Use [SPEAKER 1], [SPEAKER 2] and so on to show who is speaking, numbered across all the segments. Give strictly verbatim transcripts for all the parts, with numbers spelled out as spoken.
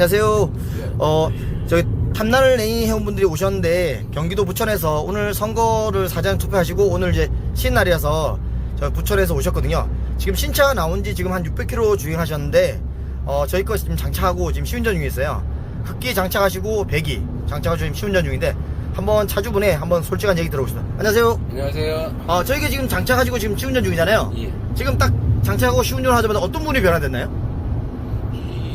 [SPEAKER 1] 안녕하세요. 어, 저기 탐날 레인 회원분들이 오셨는데 경기도 부천에서 오늘 선거를 사전 투표하시고 오늘 이제 쉬는 날이라서 저 부천에서 오셨거든요. 지금 신차 나온 지 지금 한 육백 킬로미터 주행하셨는데 어, 저희 거 지금 장착하고 지금 시운전 중에 있어요. 흑기 장착하시고 배기 장착하고 지금 시운전 중인데 한번 차주분의 한번 솔직한 얘기 들어보시죠. 안녕하세요.
[SPEAKER 2] 안녕하세요.
[SPEAKER 1] 어, 저희가 지금 장착하시고 지금 시운전 중이잖아요.
[SPEAKER 2] 예.
[SPEAKER 1] 지금 딱 장착하고 시운전 하자마자 어떤 부분이 변화됐나요?
[SPEAKER 2] 이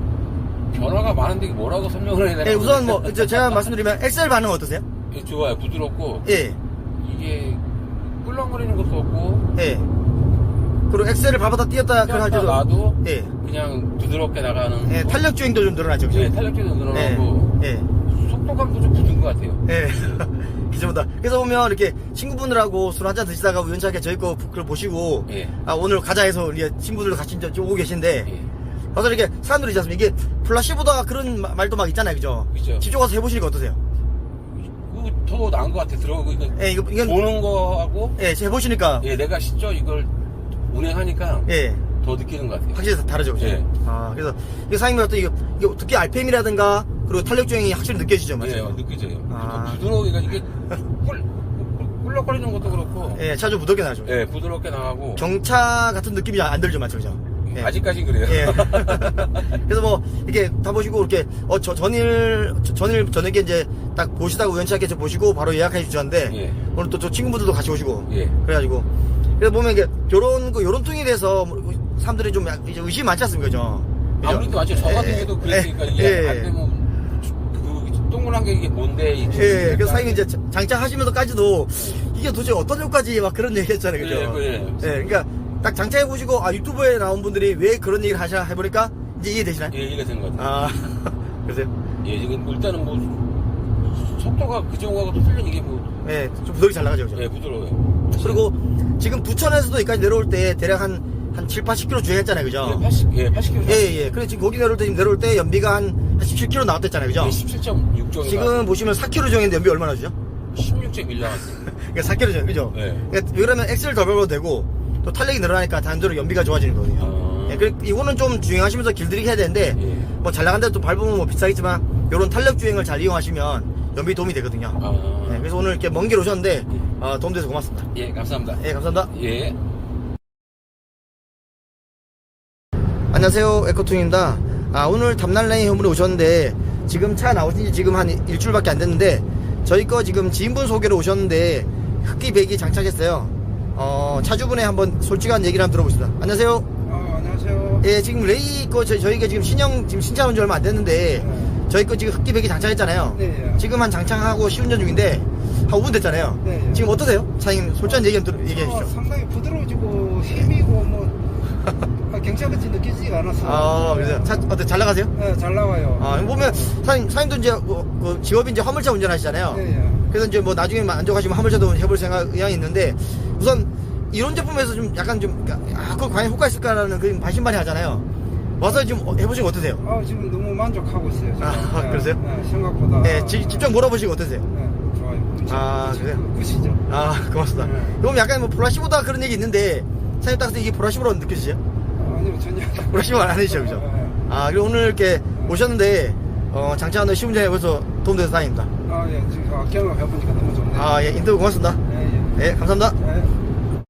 [SPEAKER 2] 변화가 많은데 뭐라고 설명을 해야 되나?
[SPEAKER 1] 예, 우선 뭐 저- 제가 말씀드리면 엑셀 반응 어떠세요?
[SPEAKER 2] 예, 좋아요. 부드럽고
[SPEAKER 1] 예,
[SPEAKER 2] 이게 꿀렁거리는 것도 없고
[SPEAKER 1] 예. 그리고 엑셀을 밟았다 뛰었다 그걸 할
[SPEAKER 2] 뛰었다
[SPEAKER 1] 때도
[SPEAKER 2] 놔도
[SPEAKER 1] 예,
[SPEAKER 2] 그냥 부드럽게 나가는.
[SPEAKER 1] 예, 탄력 주행도 좀 늘어나죠, 그죠?
[SPEAKER 2] 예, 탄력도 늘어나고
[SPEAKER 1] 예,
[SPEAKER 2] 속도감도 좀 붙은 것 같아요.
[SPEAKER 1] 예. 기존보다. 그래서 보면 이렇게 친구분들하고 술 한잔 드시다가 우연찮게 저희 거 그걸 보시고
[SPEAKER 2] 예.
[SPEAKER 1] 아 오늘 가자 해서 우리 친구들도 같이 이제 오고 계신데
[SPEAKER 2] 예.
[SPEAKER 1] 가서 이렇게 사람들이 있지 않습니까? 이게 플라시보다 그런 마- 말도 막 있잖아요, 그죠?
[SPEAKER 2] 그죠.
[SPEAKER 1] 직접 가서 해보시니까 어떠세요?
[SPEAKER 2] 그거 더 나은 것 같아. 들어가고 이거
[SPEAKER 1] 예, 이거 이건
[SPEAKER 2] 보는 거하고
[SPEAKER 1] 예, 해보시니까
[SPEAKER 2] 예, 내가 직접 이걸 운행하니까
[SPEAKER 1] 예.
[SPEAKER 2] 더 느끼는 것 같아요.
[SPEAKER 1] 확실히 다르죠, 그죠?
[SPEAKER 2] 예.
[SPEAKER 1] 아, 그래서, 이게 사장님 같은 이게, 이게 특히 알피엠이라든가, 그리고 탄력주행이 확실히 느껴지죠, 맞죠?
[SPEAKER 2] 예, 느껴져요.
[SPEAKER 1] 아.
[SPEAKER 2] 더 부드러우니까 이게 꿀, 꿀렁거리는 것도 그렇고
[SPEAKER 1] 예, 차 좀 부드럽게 나죠.
[SPEAKER 2] 예, 부드럽게 나가고
[SPEAKER 1] 경차 같은 느낌이 안 들죠, 맞죠, 그죠? 예.
[SPEAKER 2] 아직까진 그래요.
[SPEAKER 1] 예. 그래서 뭐, 이렇게 다 보시고, 이렇게, 어, 저, 전일, 저- 전일, 저녁에 이제 딱 보시다가 우연찮게 저 보시고 바로 예약해 주셨는데,
[SPEAKER 2] 예.
[SPEAKER 1] 오늘 또 저 친구분들도 같이 오시고,
[SPEAKER 2] 예.
[SPEAKER 1] 그래가지고, 그래서 보면 이게, 요런, 그, 요런 통에 대해서 사람들이 좀 약- 이제 의심이 많지 않습니까, 그죠? 그죠?
[SPEAKER 2] 아무래도 맞죠. 저 같은
[SPEAKER 1] 예,
[SPEAKER 2] 경우도
[SPEAKER 1] 예,
[SPEAKER 2] 그랬으니까
[SPEAKER 1] 예,
[SPEAKER 2] 이게
[SPEAKER 1] 예.
[SPEAKER 2] 안 되면 그 동그란 게 이게 뭔데? 이
[SPEAKER 1] 예, 그래서 사장님이 이제 장착하시면서까지도 이게 도대체 어떤 효과지 막 그런 얘기 했잖아요, 그죠?
[SPEAKER 2] 예, 예.
[SPEAKER 1] 예, 그러니까 딱 장착해보시고, 아, 유튜브에 나온 분들이 왜 그런 얘기를 하시나 해보니까 이제 이해되시나요?
[SPEAKER 2] 예, 이해가 된 것 같아요.
[SPEAKER 1] 아, 그러세요?
[SPEAKER 2] 예, 지금 일단은 뭐 속도가 그 정도하고 또 틀린 이게 뭐
[SPEAKER 1] 예, 좀 부드럽게 잘 나가죠, 그죠?
[SPEAKER 2] 예, 부드러워요.
[SPEAKER 1] 그리고 지금 부천에서도 여기까지 내려올 때 대략 한, 한 칠, 팔십 킬로미터 주행했잖아요, 그죠?
[SPEAKER 2] 예, 팔십, 예, 팔십 킬로미터.
[SPEAKER 1] 예, 예. 그래, 지금 거기 내려올 때, 지금 내려올 때 연비가 한, 한 십칠 킬로미터 나왔댔잖아요, 그죠?
[SPEAKER 2] 예, 십칠 점 육 정도.
[SPEAKER 1] 지금 보시면 사 킬로미터 주행했는데 연비 얼마나 주죠?
[SPEAKER 2] 십육 점 일 나왔어요.
[SPEAKER 1] 그러니까 사 킬로미터 주행, 그죠?
[SPEAKER 2] 예.
[SPEAKER 1] 그러니까 그러면 엑셀을 더 밟아도 되고, 또 탄력이 늘어나니까 단조로 연비가 좋아지는 거거든요.
[SPEAKER 2] 아.
[SPEAKER 1] 예, 그, 이거는 좀 주행하시면서 길들이기 해야 되는데,
[SPEAKER 2] 예.
[SPEAKER 1] 뭐 잘 나간 데또 밟으면 뭐 비싸겠지만, 요런 탄력 주행을 잘 이용하시면 연비 도움이 되거든요.
[SPEAKER 2] 아.
[SPEAKER 1] 예, 그래서 오늘 이렇게 먼 길 오셨는데, 어, 도움돼서 고맙습니다.
[SPEAKER 2] 예, 감사합니다.
[SPEAKER 1] 예, 감사합니다.
[SPEAKER 2] 예.
[SPEAKER 1] 안녕하세요, 에코툰입니다. 아, 오늘 담날레인 현물에 오셨는데 지금 차 나오신 지 지금 한 일주일밖에 안 됐는데 저희 거 지금 지인분 소개로 오셨는데 흑기 배기 장착했어요. 어, 차주분의 한번 솔직한 얘기를 한번 들어보시다. 안녕하세요.
[SPEAKER 3] 아, 안녕하세요.
[SPEAKER 1] 예, 지금 레이 거 저희, 저희가 지금 신형 지금 신차 나온 지 얼마 안 됐는데
[SPEAKER 3] 네.
[SPEAKER 1] 저희 거 지금 흑기 배기 장착했잖아요.
[SPEAKER 3] 네.
[SPEAKER 1] 지금 한 장착하고 시운전 중인데 한 오 분 됐잖아요.
[SPEAKER 3] 네.
[SPEAKER 1] 지금 어떠세요? 사장님 솔직한 얘기 한번 들어- 얘기해
[SPEAKER 3] 어,
[SPEAKER 1] 주시죠.
[SPEAKER 3] 상당히 부드러워지고 힘이고 뭐 아, 경찰같이 느껴지지가 않았어요.
[SPEAKER 1] 아, 그래서 차 어때 잘 나가세요?
[SPEAKER 3] 네, 잘 나와요.
[SPEAKER 1] 아, 보면 사장님, 사장님도 이제 뭐, 그 직업이 이제 화물차 운전하시잖아요.
[SPEAKER 3] 네, 예.
[SPEAKER 1] 그래서 이제 뭐 나중에 만족하시면 화물차도 해볼 생각 의향이 있는데 우선 이런 제품에서 좀 약간 좀 아, 그거 과연 효과 있을까라는 그런 반신반의 하잖아요. 와서 좀 해보시고 어떠세요?
[SPEAKER 3] 아, 지금 너무 만족하고 있어요. 지금.
[SPEAKER 1] 아,
[SPEAKER 3] 네,
[SPEAKER 1] 그러세요?
[SPEAKER 3] 네, 생각보다.
[SPEAKER 1] 네, 지- 직접 물어보시고 어떠세요?
[SPEAKER 3] 네, 좋아요.
[SPEAKER 1] 아, 그래요?
[SPEAKER 3] 굿이죠.
[SPEAKER 1] 아, 고맙습니다.
[SPEAKER 3] 네.
[SPEAKER 1] 그럼 약간 뭐 보라시보다 그런 얘기 있는데 사장님 딱 봐서 이게 보라시보로 느껴지세요?
[SPEAKER 3] 아니요, 전혀.
[SPEAKER 1] 보라시보 안 하시죠, 그죠?
[SPEAKER 3] 네, 네.
[SPEAKER 1] 아, 그리고 오늘 이렇게 오셨는데 어, 장착하는 시운전 해보셔서 도움돼서 다행입니다.
[SPEAKER 3] 아, 예, 지금 경험 해보니까 너무 좋네요.
[SPEAKER 1] 아, 예, 인터뷰 고맙습니다.
[SPEAKER 3] 예, 예.
[SPEAKER 1] 예, 감사합니다.
[SPEAKER 3] 예.